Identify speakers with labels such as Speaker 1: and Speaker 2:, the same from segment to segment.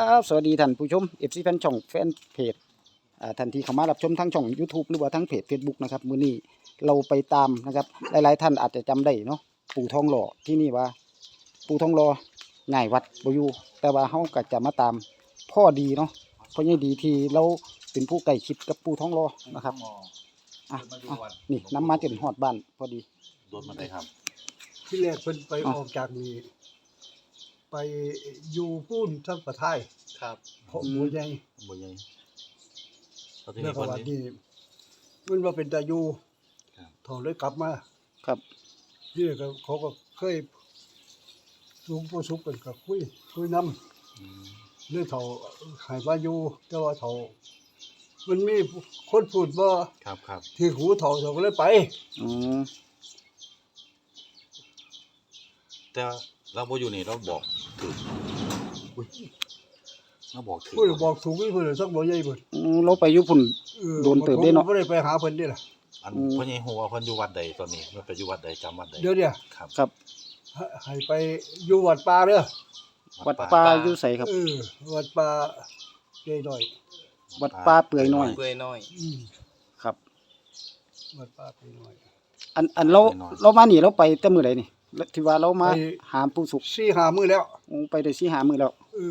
Speaker 1: ครับสวัสดีท่านผู้ชม FC แฟนช่องแฟนเพจท่านที่เข้ามารับชมทั้งช่อง YouTube หรือว่าทั้งเพจ Facebook นะครับมื้อนี้เราไปตามนะครับหลายๆท่านอาจจะจำได้เนาะปู่ทองหล่อที่นี่ว่าปู่ทองหล่อง่ายวัดบ่อยู่แต่ว่าเฮาก็จะมาตามพ่อดีเนาะพ่อใหญ่ดีที่เราเป็นผู้ใกล้ชิดกับปู่ทองหล่อนะครับนี่นำมาจนฮอดบ้านพอดี
Speaker 2: โดนมาได้ครับ
Speaker 3: ที่แรกเพิ่นไปออกจากนี่ไปอยู่พูนทั้งประเทศ
Speaker 2: ครับ
Speaker 3: เพราะบ่ใหญ่
Speaker 2: บ่ใหญ่
Speaker 3: แล้วก็ว่านี่มันว่าเป็นตาอยู่ถอนเลยกลับมา
Speaker 1: ครับ
Speaker 3: นี่ก็เขาก็เคยสูงผู้สุขกันก็คุยนำเรื่องเฒ่าให้มาอยู่แต่ว่าเฒ่ามันมีคนพูดบ่
Speaker 2: ครับ
Speaker 3: ที่หูเฒ่าก็เลยไป
Speaker 2: แต่เราบ่อยู่นี่เราบอกถูกเราบอกถูก
Speaker 3: เพิ่นบอกถูกเพิ่นสักบ่ใหญ่เพิ่น
Speaker 1: เราไปอยู่พุ่นโดนเติบได้เนาะ
Speaker 3: บ่ได้ไปหาเพิ่นเด้ล่ะ
Speaker 2: อันพ่อใหญ่ฮู้ว่าเพิ่นอยู่วัดใดตอนนี้มันไปอยู่วัดใดจำวัดใด
Speaker 3: เดี๋ยวเนี่ย
Speaker 1: ครับ
Speaker 3: ให้ไปอยู่วัดป่าเด้อ
Speaker 1: วัดป่าอยู่ไสครับ
Speaker 3: วัดป่าเปื่อยน้อย
Speaker 1: วัดป่าเปื่อยน้อยครับ
Speaker 3: วัดป่าเปื่อยน้อย
Speaker 1: อันเรามานี่เราไปแต่มื้อใดนี่ที่ว่าเรามาหาปู่สุข
Speaker 3: 4-5 มื้อแล้ว
Speaker 1: ไปได้4-5 มื้อแล้ว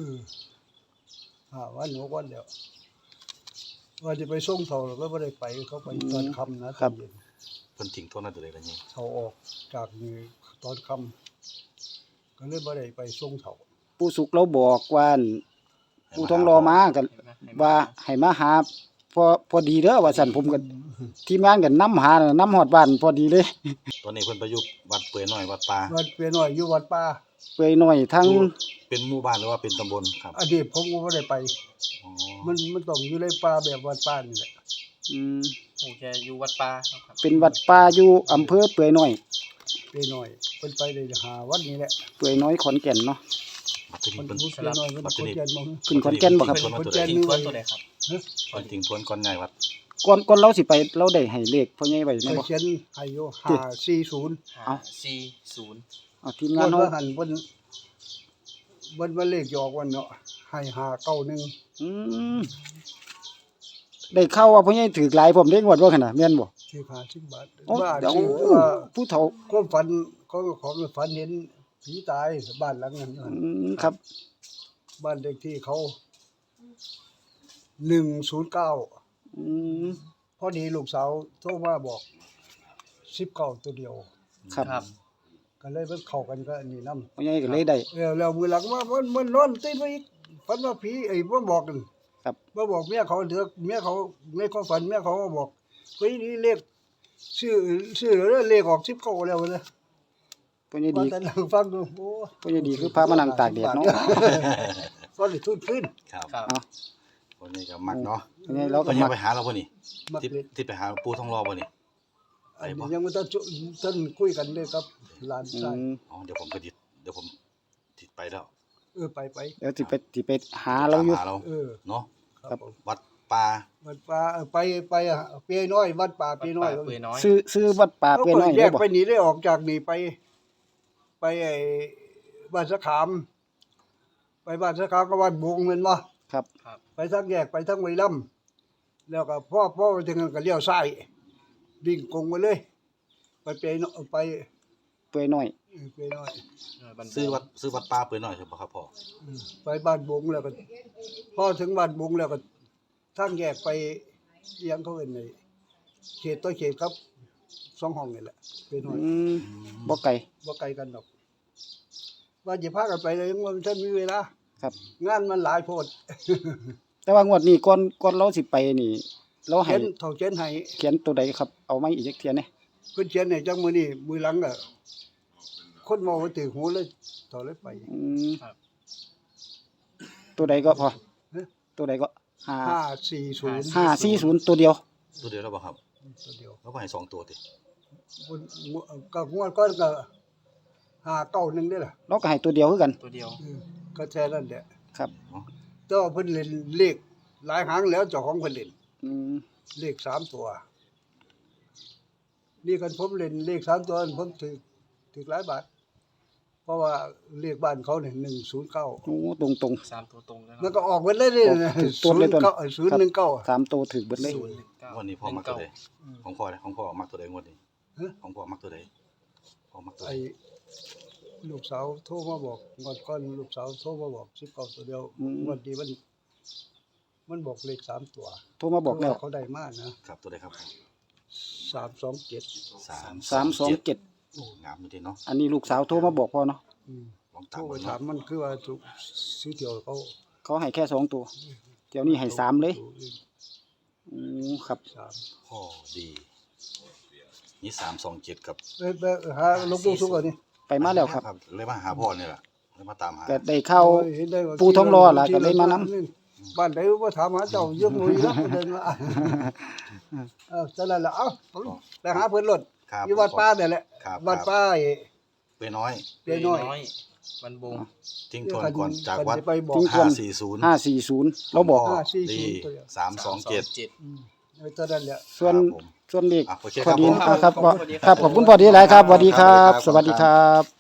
Speaker 3: วัน6วันแล้วว่าจะไปส่งเขาแล้วบ่ได้ไปเขาไปตอนค่ำนะครับ
Speaker 2: เพิ่นทิ้งโทษนั่นตัวใดล่ะนี่
Speaker 3: เขาออกจากนี่ตอนค่ำก็เลยบ่ได้ไปส่งเขา
Speaker 1: ปู่สุขเราบอกว่าปู่ทองรอมาก็ว่าให้มาหาพอดีเด้อว่าซั่นผมก็ทีมงานก็นำหานำฮอดบ้านพอดีเลย
Speaker 2: ตอนนี้เพิ่นไปอยู่วัดเปื่อยน้อยวัดป่า
Speaker 3: วัดเปื่อยน้อยอยู่วัดป่า
Speaker 1: เปื่อยน้อยทั้ง
Speaker 2: เป็นหมู่บ้านหรือว่าเป็นตำบลครับ
Speaker 3: อดีตผมก็บ่ได้ไปมันต้องอยู่ในป่าแบบวัดป่านี่แหละ
Speaker 4: ผมจะอยู่วัดป่าครับ
Speaker 1: เป็นวัดป่าอยู่อำเภอเปื่อยน้อย
Speaker 3: เปื่อยน้อยเพิ่นไปได้5วันนี้แหละ
Speaker 1: เปื่อยน้อยขอนแก่นเนาะ
Speaker 3: มันรู้สึกน้อยมันขอนแก่นบ่
Speaker 1: ขึ้นขอนแก่นบ่ครับ
Speaker 4: ขอนแก่นนี่ตัวใดครับ
Speaker 2: เพิ่นทิ้งทวนก่อนง่ายวัด
Speaker 1: ก่อนเราสิไปเราได้ให้เลขพ่อใหญ่ไว้แม่นบ่
Speaker 3: เขียนให้อยู่540
Speaker 1: เอา
Speaker 4: 40
Speaker 1: เอาทีมงานเฮา
Speaker 3: หันเพิ่นเลขออกวันเนาะให้591
Speaker 1: ได้เข้าว่าพ่อใหญ่ถือหลายผมได้งวดบ่คั่นน่ะแม่นบ่
Speaker 3: ถือ50 บาท
Speaker 1: บ้านผู้เฒ่า
Speaker 3: ความฝันของฝันเห็นผีตายบ้านหลังนั้น
Speaker 1: ครับ
Speaker 3: บ้านเลขที่เขา109พอดีลูกสาวโทรมาบอก19ตัวเดียว
Speaker 1: ครับ
Speaker 3: ก็เลยมันเข้ากันก็อันนี้นำ
Speaker 1: พ่อใหญ่ก็เลยได้
Speaker 3: แล้วมื้อหลังว่ามันนอนตื่นมาอีกฝันว่าผีมาบอกกัน
Speaker 1: ครับ
Speaker 3: มาบอกเมียเขาเถอะเมียเขาในความฝันเมียเขาก็บอกเฮ้ยนี่เลขชื่อแล้วเลขออก19แล้วนะ
Speaker 1: พ่อใหญ่ดี
Speaker 3: แต่นั่งฟังดูโอ้
Speaker 1: พ่อใหญ่ดีคือพามานั่งตากแดดเนาะ
Speaker 3: ก็ได้ทุนขึ้น
Speaker 2: ครับคนนี้ก็มักเนาะ
Speaker 1: พ่อใหญ่เราก็
Speaker 2: มักไปหาเราบ่นี่ที่ไปหาปู่ทองรอบ่นี่
Speaker 3: ไปบ่ยังบ่ทันคุยกันเลยครับหลานชาย
Speaker 2: เดี๋ยวผมติดไปแล้ว
Speaker 3: ไป
Speaker 1: เดี๋ยวสิไปหาเราอยู่
Speaker 2: เนาะครับวัดป่า
Speaker 3: ไปเปียน้อยวัดป่าเปียน้อย
Speaker 1: ซื้อวัดป่าเปียน้อย
Speaker 3: แยกไปนี่ได้ออกจากนี่ไปไอ้บ้านสะขามไปบ้านสะขามกับบ้านบงแม่นบ่
Speaker 1: ครับ
Speaker 3: ไปทางแยกไปทางไวลํแล้วก็พ่อไปถึงนั้นก็เลี้ยวซ้ายวิ่งกงไปเลยไปเปียน้อยไป
Speaker 1: เปียน้อย
Speaker 2: ซื้อวัดป่าเปียน้อยใช่บ่ครับพ่อ
Speaker 3: ไปบ้านบงแล้วก็พอถึงบ้านบงแล้วก็ทางแยกไปยังเขาเอิ้นไอ้เขตต่อเขตครับ2ห้องนี่แหละเปียน้อย
Speaker 1: บ่ไกล
Speaker 3: กันดอกว่าสิพากันไปเลยมันท่านมีเวลา
Speaker 1: ครับ
Speaker 3: งานมันหลายโพด
Speaker 1: แต่ว่างวดนี้ก่อนเราสิไปนี่เราให้
Speaker 3: เขาเขียนให้
Speaker 1: เขียนตัวใดครับเอามาอีกจักเที่ยแหน่
Speaker 3: เพิ่นเขียนให้จังมื้อนี้มื้อหลังก็คนเมาตึกหูเลยต่อเลยไป
Speaker 1: ครับตัวใดก็พอตัวใดก็540ตัวเดียว
Speaker 2: แล้วบ่ครับ
Speaker 3: ตัวเดียว
Speaker 2: แล้วก็ให้2ตัวติ
Speaker 3: ก็งวดก่อนก็591ได้ล่ะ
Speaker 1: เราก็ให้ตัวเดียวคือกัน
Speaker 4: ตัวเดียว
Speaker 3: ก็แค่นั้นแหละ
Speaker 1: ครับ
Speaker 3: แต่ว่าเพิ่นเล่นเลขหลายหางแล้วเจ้าของเพิ่นเล่นเลข3ตัวนี่กันผมเล่นเลข3ตัวผมถูกหลายบาทเพราะว่าเรียกบ้านเขาเนี่ย109
Speaker 1: โอ้ตรง
Speaker 4: สามตัวตรงแล้ว
Speaker 3: มัน
Speaker 4: เนาะ
Speaker 3: ก็ออกเบิดเลยนี่
Speaker 1: ถูกต้นเลยต้น
Speaker 3: 019
Speaker 1: ๆ3ตัวถึกเบิดเลย
Speaker 2: งวดนี้พ่อมักตัวใดของพ่อเลยของพ่อมักตัวใดงวดนี้
Speaker 3: ฮะ
Speaker 2: ของพ่อมักตัวใดพ่อมักตัวใด
Speaker 3: ไอ้ลูกสาวโทรมาบอกก่อนลูกสาวโทรมาบอก19ตัวเดียววันนี้มันบอกเลข3ตัว
Speaker 1: โทรมาบอกแล้ว
Speaker 3: เขาได้มากนะครับ
Speaker 2: ตัวใดครับ
Speaker 3: 327
Speaker 1: 327
Speaker 2: โอ้งามอยู่ดีเนาะ
Speaker 1: อันนี้ลูกสาวโทรมาบอกพ่อเนาะ
Speaker 2: ลอง
Speaker 3: โท
Speaker 2: ตาร ม
Speaker 3: ไป
Speaker 2: เบิ่ง
Speaker 3: ถาม
Speaker 2: เนาะ
Speaker 3: มันคือว่าถูกซื้อเที่ยวเขา
Speaker 1: เขาให้แค่2ตัวเดี๋ยวนี้ให้3เลยครับ
Speaker 3: สาม
Speaker 2: พ่อดีนี่327กับ
Speaker 3: ไปหาหลวงปู่สุขก่อนนี่
Speaker 1: ไปมาแล้วครับ
Speaker 2: เลยมาหาพ่อนี่ล่ะเลยมาตามหา
Speaker 1: ก็ได้เข้า
Speaker 3: เห็นได้ว่า
Speaker 1: ปู่ทองหล่อล่ะก็เลยมาน
Speaker 3: บ้านใดว่าถามหาเจ้าเยอะหน่อยแล้วเดินมาจะนั่นล่ะเอ้าไปหาเพิ่นรถ
Speaker 2: ครับ
Speaker 3: อยู่วัดป่าเนี่ยแหละ
Speaker 2: ครับ
Speaker 3: วัดป่า
Speaker 2: ไปน้อย
Speaker 3: เปียน้อย
Speaker 4: วันบง
Speaker 2: ทิ้งทวนก่อนจากวัด
Speaker 3: ไปบอก
Speaker 1: ทิ้งทวน
Speaker 2: 540
Speaker 1: 540เราบอก
Speaker 3: 540
Speaker 2: ดี
Speaker 3: ตัวเดียว
Speaker 2: 327
Speaker 3: ตอนนั้นแหละ
Speaker 1: ส่วน
Speaker 2: ครับผม
Speaker 1: ส่วนเลข
Speaker 2: โอเค
Speaker 1: พอดี
Speaker 2: ครับผม
Speaker 1: ครับขอบคุณพอดีหลายครับสวัสดีครับ สวัสดีครับ